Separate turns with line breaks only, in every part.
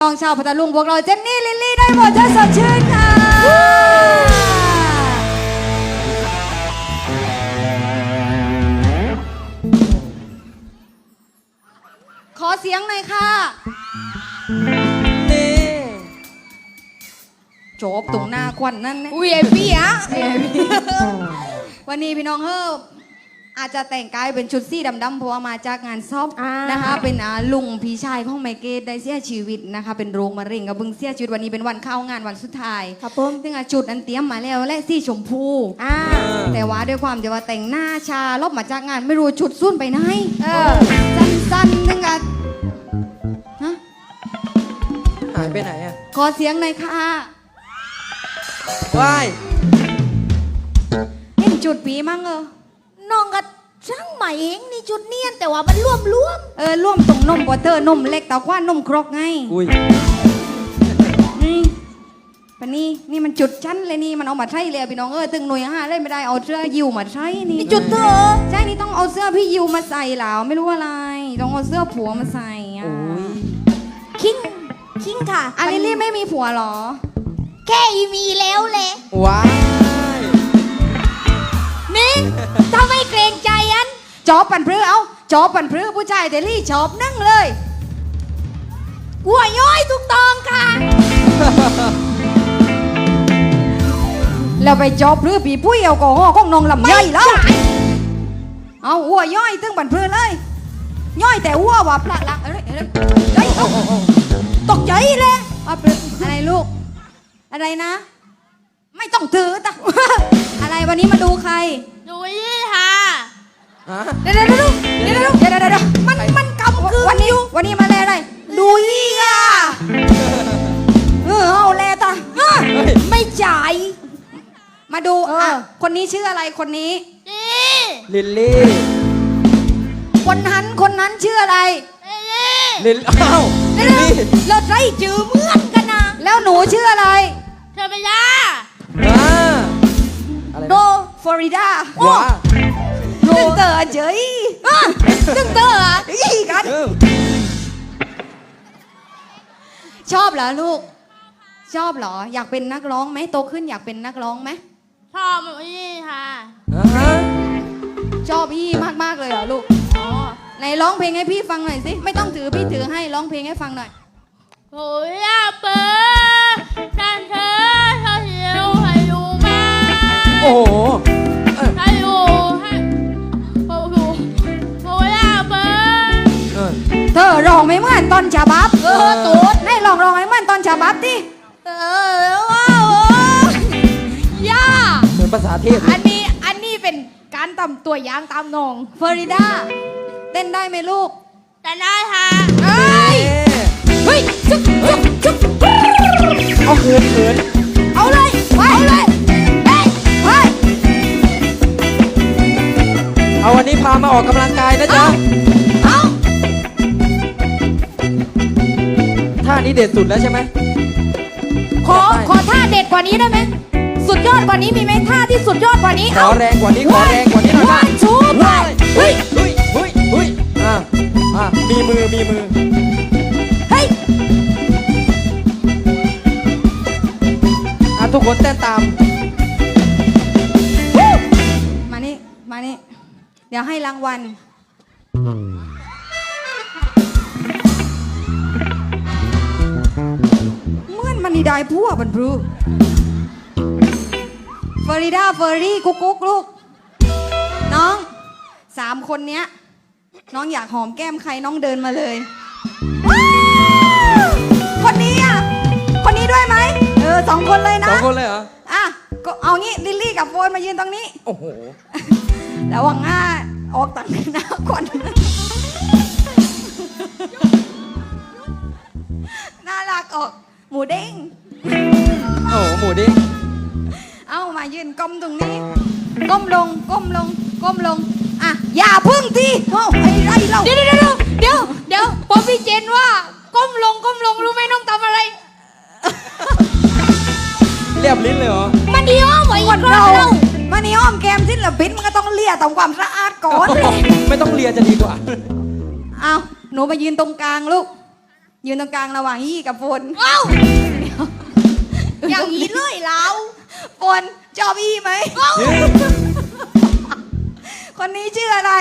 น้องชาวพัทลุงพวกเราเจนนี่ลิลลี่ได้หมดจะสดชื่นค่ะขอเสียงหน่อยค่ะนี่โจบตรงหน้าควันนั่นนะVIP อ่ะ วันนี้พี่น้องเฮ้ออาจจะแต่งกายเป็นชุดสีดำๆเพราะว่ามาจากงานซอบนะคะเป็นลุงพี่ชายของไมเกตได้เสียชีวิตนะคะเป็นโรคมะเร็งกับเพิ่งเสียชีวิตวันนี้เป็นวันเข้างานวันสุดท้ายครับผมซึ่งจุดนั้นเตรียมมาแล้วและสีชมพูแต่ว่าด้วยความที่ว่าแต่งหน้าชาลบมาจากงานไม่รู้ชุดสุ่นไปไหนสั้นๆนึงฮะ
หายไปไหนอ่ะ
ขอเสียงหน่อยค่ะ
ว้าย
เห็นจุดปีมั้ง
น้องก็ช่างใหม่เองนี่จุดเนียนแต่ว่ามันร่วม
ร่วมตรงนมบอเตอร์นมเล็กแต่ว่านมครกไง
อุ้ย
นี่ปะนี่มันจุดชั้นเลยนี่มันเอามาใช้เลยพี่น้องตึงหน่วยเล่นไม่ได้เอาเสื้อยิวมาใช้นี่
จุดเธอ
ใช่นี่ต้องเอาเสื้อพี่ยิวมาใส่แล้วไม่รู้อะไรต้องเอาเสื้อผัวมาใส่
คิงค่ะ
อันนี้ไม่มีผัวหรอ
แค่มีแล้วเลย
ว้าย
นี่ถ้าไม่เกรงใจอัน
จอบปั่นพรือเอาจอบปั่นพรือผู้ชายเดลี่จอบนั่งเลย
หัวย้อยทุกตองค่ะ
แล้วไปจอบพรือปีปุ้ยเอากอฮอของน้องลำย่อยแล้วเอาหัวย่อยตึงปั่นพรือเลยย่อยแต่หัวว่าพละละตกใจเลยอะไรลูกอะไรนะไม่ต้องถือตะอะไรวันนี้มาดูใคร
ดูยี่ค่ะ
เดี๋ยวมันกำคือวันนี้มาอะไรดูยี่ค่ะเอาแลตาไม่จ่ายมาดูคนนี้ชื่ออะไรคนนี้
ลิลลี่
คนนั้นชื่ออะไร
ลิลอ้าวลิลลี่
เราใช้จื่อเหมือนกันนะ
แล้วหนูชื่ออะไร
เธอไปยา
โนฟลอริดาตึงเตอร์เฉยตึงเตอร์ยี่กันชอบเหรอลูกชอบเหรออยากเป็นนักร้องไหมโตขึ้นอยากเป็นนักร้องไหม
ชอบยี่ค่ะ
ชอบพี่มากเลยเหรอลูกไหนร้องเพลงให้พี่ฟังหน่อยสิไม่ต้องถือพี่ถือให้ร้องเพลงให้ฟังหน่อย
โอ้ยเปิดฉันเธอหิวให้อยู่มา
โอ้โห
ให้อยู่ให้โอ้โหโอ้ยเปิด
เธอร้องไม่เหมือนตอนฉบับตูดให้ร้องให้เหมือนตอนฉบับดิ
ว้าวย่า
เหมือนภาษาเทพ
อันนี้เป็นการตำตัวอย่างตามนอง
ฟลอริดาเต้นได้ไหมลูก
แต่ได้ค่ะ
เฮ้ยจุ๊บ
เอาเขิน
เอาเลย
เอาวันนี้พามาออกกำลังกายนะจ๊ะท่านี้เด็ดสุดแล้วใช่ไหม
ขอท่าเด็ดกว่านี้ได้ไหมสุดยอดกว่านี้มีไหมท่าที่สุดยอดกว่านี้
ขอแรงกว่านี้หน่อยนะ
ชูไป
เฮ้ยมีมือ
เฮ้ย
ทุกคนเต้นตาม
มานี่เดี๋ยวให้รางวัลเมื่อนมันนี่ได้พวกบันพรูฟลอริดาเฟอร์รี่กุ๊กลูกน้อง3 คนเนี้ยน้องอยากหอมแก้มใครน้องเดินมาเลยคนนี้ด้วยไหม2 คนเลยนะ
2 คนเลยเหรอ
ก็เอางี้ลิลลี่กับโฟนมายืนตรงนี้
โอ้โห
แล้ววังออกต่างหน้าก่อนน่ารักออกหมูเด้ง
โอ้หมูเด้ง
เอามายืนก้มตรงนี้ก้มลงอย่าพึ่งทีไอ้ไรเรา
เดี๋ยวพอพี่เจนว่าก้มลงรู้ไหมน้องทำอะไร
เรียบลิ้นเลยเหรอ
มันดีอ้อมไว้
คนเรามันนี่อ้อมแก้มศิลปินมันก็ต้องเลียทำความสะอาดก่อน
ไม่ต้องเลียจะดีกว่า
เอาหนูมายืนตรงกลางลูกยืนตรงกลางระหว่างยี่กับฝน
เอ้าอย่างนี้เลยเรา
ฝนชอบยี่ไหม คนนี้ชื่ออะไร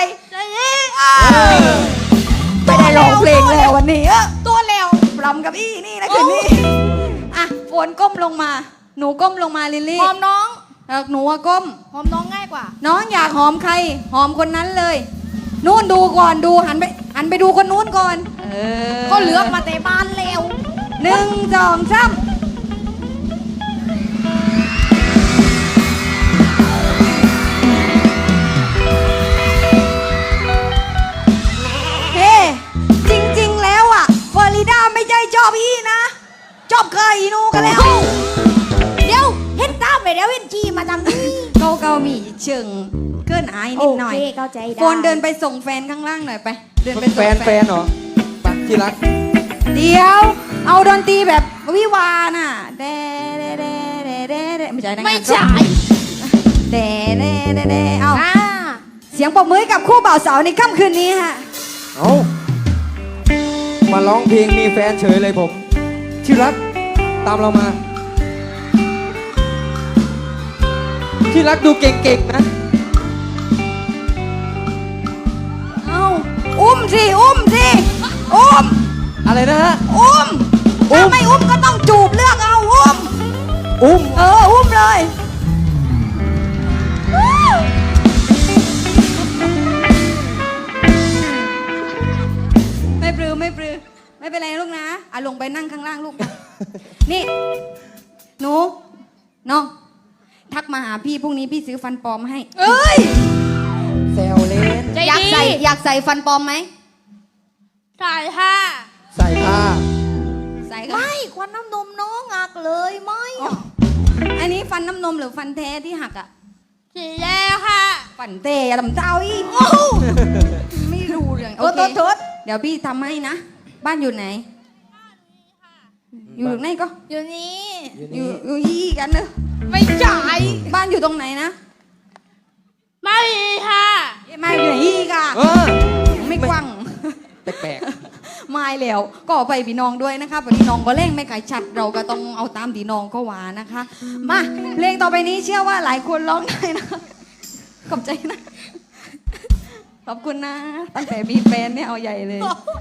ไม่ได้ร้องเพลงแล้ววันนี้ตัวแล้วรำกับอี้นี่นะคืนนี้อ่ะฝนก้มลงมา หนูก้มลงมาลิลลี่
หอมน้อง
หนูอะก้ม
หอมน้องง่ายกว่า
น้องอยากหอมใคร หอมคนนั้นเลย นู่นดูก่อนดูหันไปดูคนนู้นก่อนอ
ก็เหลือกมาแต่บ้านแล้ว
1 2 3เฮ้จริงๆแล้วอ่ะเฟอริดาไม่ใช่ชอบพี่นะชอบเคยอีนูกันแล้ว
เดี๋ยวเห็นตามไปแล้วเห็นจีมาทำนี่
เขามีเชิงเกินอายนิดหน่อย
โอเคเข้าใจได้
โฟนเดินไปส่งแฟนข้างล่างหน่อยไป เดินไปส่ง
แฟนเหรอไปที่รัก
เดี๋ยว เอาดนตรีแบบวิวาน่ะเดเดเดเดเดเดไม่ใช่นะ
ไม่ใช่
เดเดเดเดเอา
อ่า
เสียงปรบมือให้กับคู่บ่าวสาวในค่ำคืนนี้ฮะ
เอามาร้องเพลงมีแฟนเฉยเลยผม ที่รักตามเรามา ที่รักดูเก่งๆนะ
เอาอุ้มสิอุ้มอุ้ม
อะไรนะฮะ
อุ้ม
อุ้
ถ้าม ไม่อุ้มก็ต้องจูบเลือกเอาอุ้ม
อุ้ม
อุ้มเลยไม่ปรือไม่เป็นไรลูกนะลงไปนั่งข้างล่างลูก นี่หนูน้องทักมาหาพี่พรุ่งนี้พี่ซื้อฟันปลอมให้
เอ้ย
แซวเล่น
ใจ
อยาก
ดี
อยากใส่ฟันปลอมไหม
ใส่ค่ะ
ใส่ผ้า
ใส่ก็
ไม่ควันน้ำนมน้องหักเลยไม่
อันนี้ฟันน้ำนมหรือฟันแท้ที่หักอ่ะ
สีแดงค่ะ
ฟันเตะลำเจ้าอีกไม่รู้เรื่องโอเคเดี๋ยวพี่ทำให้นะ บ้านอยู่ไหน อยู่ไหนก็
อยู่นี่
อยู่ยี่กันเนอะ
ไม่ใช่
บ้านอยู่ตรงไหนนะ
ไม่ค่ะ
ไม่อยู่ไหนยี่ก่ะ
เออ
ไม่กว้าง
แปลก
ไม่แล้วก็ไปพี่น้องด้วยนะคะพี่น้องก็เล่งไม่ไก่ชัดเราก็ต้องเอาตามพี่น้องก็หวานะคะ มาเพลงต่อไปนี้เชื่อว่าหลายคนร้องได้นะขอบใจนะ ขอบคุณนะ ตั้งแต่มีแฟนเนี่ยเอาใหญ่เลย